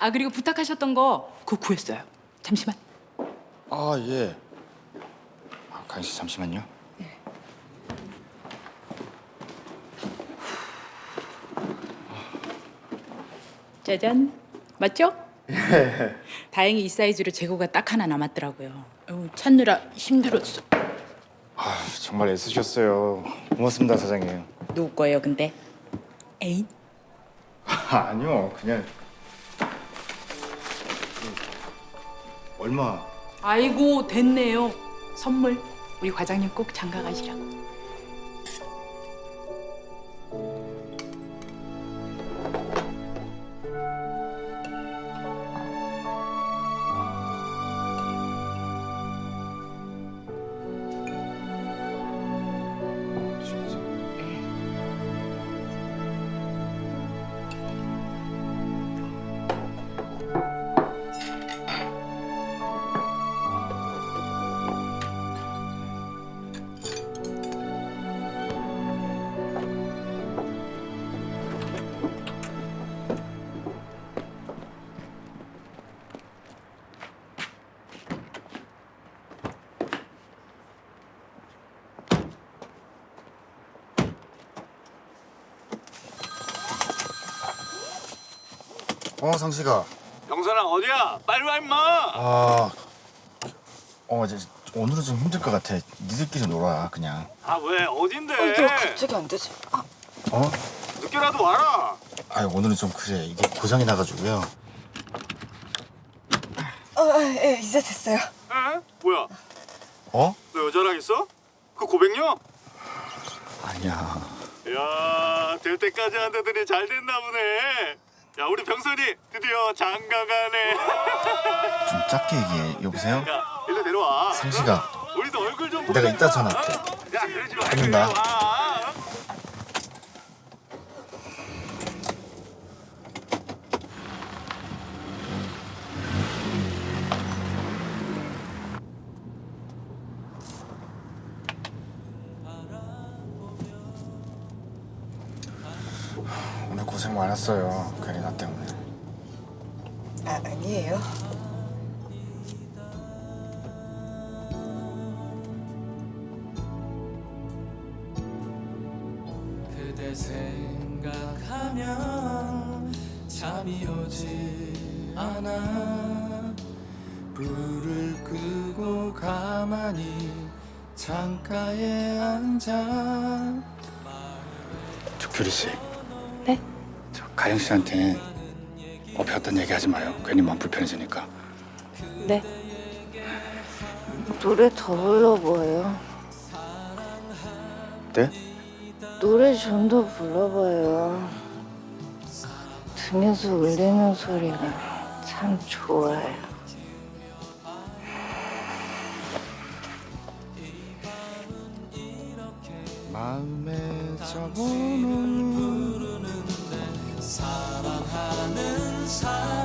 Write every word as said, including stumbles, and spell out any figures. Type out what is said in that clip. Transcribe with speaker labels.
Speaker 1: 아 그리고 부탁하셨던 거 그거 구했어요. 잠시만.
Speaker 2: 아 예. 아, 가인 씨 잠시만요.
Speaker 1: 짜잔. 맞죠? 예. 다행히 이 사이즈로 재고가 딱 하나 남았더라고요. 어우, 찾느라 힘들었어.
Speaker 2: 아 정말 애쓰셨어요. 고맙습니다 사장님.
Speaker 1: 누구 거예요, 근데? 애인?
Speaker 2: 아, 아니요 그냥 얼마?
Speaker 1: 아이고 됐네요. 선물 우리 과장님 꼭 장가 가시라고.
Speaker 2: 어 상식아.
Speaker 3: 영선아 어디야? 빨리 와 임마.
Speaker 2: 아, 어 이제 오늘은 좀 힘들 것 같아. 니들끼리 놀아 그냥.
Speaker 3: 아 왜 어딘데?
Speaker 4: 이게 갑자기 안 되지? 아,
Speaker 2: 어?
Speaker 3: 늦게라도 와라.
Speaker 2: 아 오늘은 좀 그래. 이게 고장이 나가지고요.
Speaker 4: 어, 예, 이제 됐어요.
Speaker 3: 에? 뭐야?
Speaker 2: 어?
Speaker 3: 너 여자랑 있어? 그 고백녀?
Speaker 2: 아니야.
Speaker 3: 야, 될 때까지 한다더니 잘 됐나 보네. 야, 우리 병선이 드디어 장가 가네.
Speaker 2: 좀 작게 얘기해. 여보세요?
Speaker 3: 야, 일로 내려와.
Speaker 2: 상식아.
Speaker 3: 어? 우리도 얼굴 좀 보자.
Speaker 2: 내가 이따 전화할게.
Speaker 3: 야, 그러지 말고
Speaker 2: 끊는다.
Speaker 3: 내려와.
Speaker 2: 오늘 고생 많았어요. 괜히 나 때문에.
Speaker 4: 아, 아니에요.
Speaker 5: 그대 생각하면 잠이 오지 않아. 불을 끄고 가만히 창가에 앉아.
Speaker 2: 저 규리 씨.
Speaker 1: 네?
Speaker 2: 저 가영 씨한테 업혀 어떤 얘기 하지 마요. 괜히 마음 불편해지니까.
Speaker 1: 네.
Speaker 6: 노래 더 불러봐요.
Speaker 2: 네?
Speaker 6: 노래 좀 더 불러봐요. 등에서 울리는 소리가 참 좋아요.
Speaker 2: 마음에 적어놓은
Speaker 5: 사랑하는 사람